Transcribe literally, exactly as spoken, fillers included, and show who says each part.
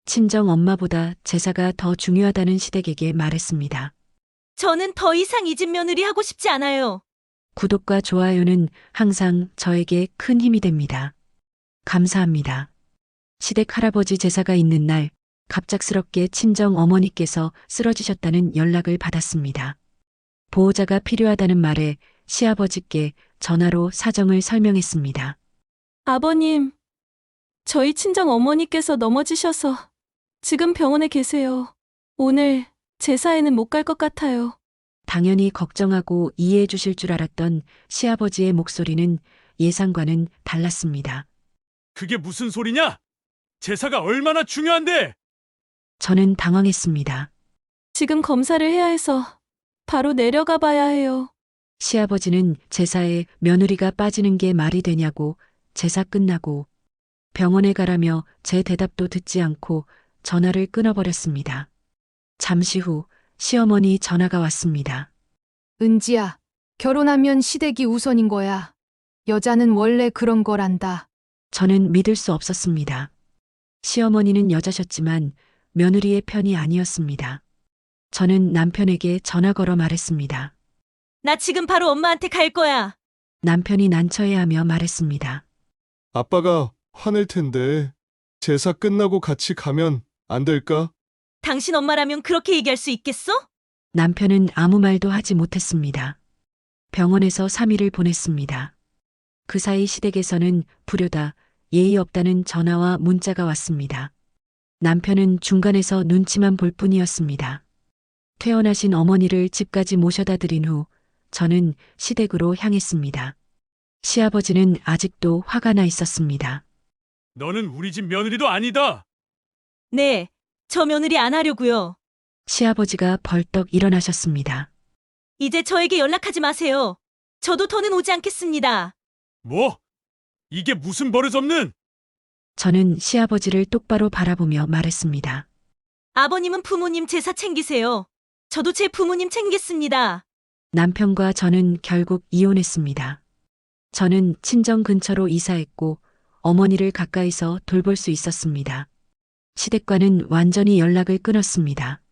Speaker 1: 친정 엄마보다 제사가 더 중요하다는 시댁에게 말했습니다.
Speaker 2: 저는 더 이상 이 집 며느리 하고 싶지 않아요.
Speaker 1: 구독과 좋아요는 항상 저에게 큰 힘이 됩니다. 감사합니다. 시댁 할아버지 제사가 있는 날 갑작스럽게 친정 어머니께서 쓰러지셨다는 연락을 받았습니다. 보호자가 필요하다는 말에 시아버지께 전화로 사정을 설명했습니다.
Speaker 2: 아버님, 저희 친정 어머니께서 넘어지셔서 지금 병원에 계세요. 오늘 제사에는 못 갈 것 같아요.
Speaker 1: 당연히 걱정하고 이해해 주실 줄 알았던 시아버지의 목소리는 예상과는 달랐습니다.
Speaker 3: 그게 무슨 소리냐? 제사가 얼마나 중요한데!
Speaker 1: 저는 당황했습니다.
Speaker 2: 지금 검사를 해야 해서 바로 내려가 봐야 해요.
Speaker 1: 시아버지는 제사에 며느리가 빠지는 게 말이 되냐고 제사 끝나고 병원에 가라며 제 대답도 듣지 않고 전화를 끊어버렸습니다. 잠시 후 시어머니 전화가 왔습니다.
Speaker 4: 은지야, 결혼하면 시댁이 우선인 거야. 여자는 원래 그런 거란다.
Speaker 1: 저는 믿을 수 없었습니다. 시어머니는 여자셨지만 며느리의 편이 아니었습니다. 저는 남편에게 전화 걸어 말했습니다.
Speaker 2: 나 지금 바로 엄마한테 갈 거야.
Speaker 1: 남편이 난처해하며 말했습니다.
Speaker 5: 아빠가 화낼 텐데 제사 끝나고 같이 가면 안 될까?
Speaker 2: 당신 엄마라면 그렇게 얘기할 수 있겠어?
Speaker 1: 남편은 아무 말도 하지 못했습니다. 병원에서 삼 일을 보냈습니다. 그 사이 시댁에서는 불효다, 예의 없다는 전화와 문자가 왔습니다. 남편은 중간에서 눈치만 볼 뿐이었습니다. 퇴원하신 어머니를 집까지 모셔다 드린 후 저는 시댁으로 향했습니다. 시아버지는 아직도 화가 나 있었습니다.
Speaker 3: 너는 우리 집 며느리도 아니다!
Speaker 2: 네, 저 며느리 안 하려고요.
Speaker 1: 시아버지가 벌떡 일어나셨습니다.
Speaker 2: 이제 저에게 연락하지 마세요. 저도 더는 오지 않겠습니다.
Speaker 3: 뭐? 이게 무슨 버릇없는!
Speaker 1: 저는 시아버지를 똑바로 바라보며 말했습니다.
Speaker 2: 아버님은 부모님 제사 챙기세요. 저도 제 부모님 챙기겠습니다.
Speaker 1: 남편과 저는 결국 이혼했습니다. 저는 친정 근처로 이사했고 어머니를 가까이서 돌볼 수 있었습니다. 시댁과는 완전히 연락을 끊었습니다.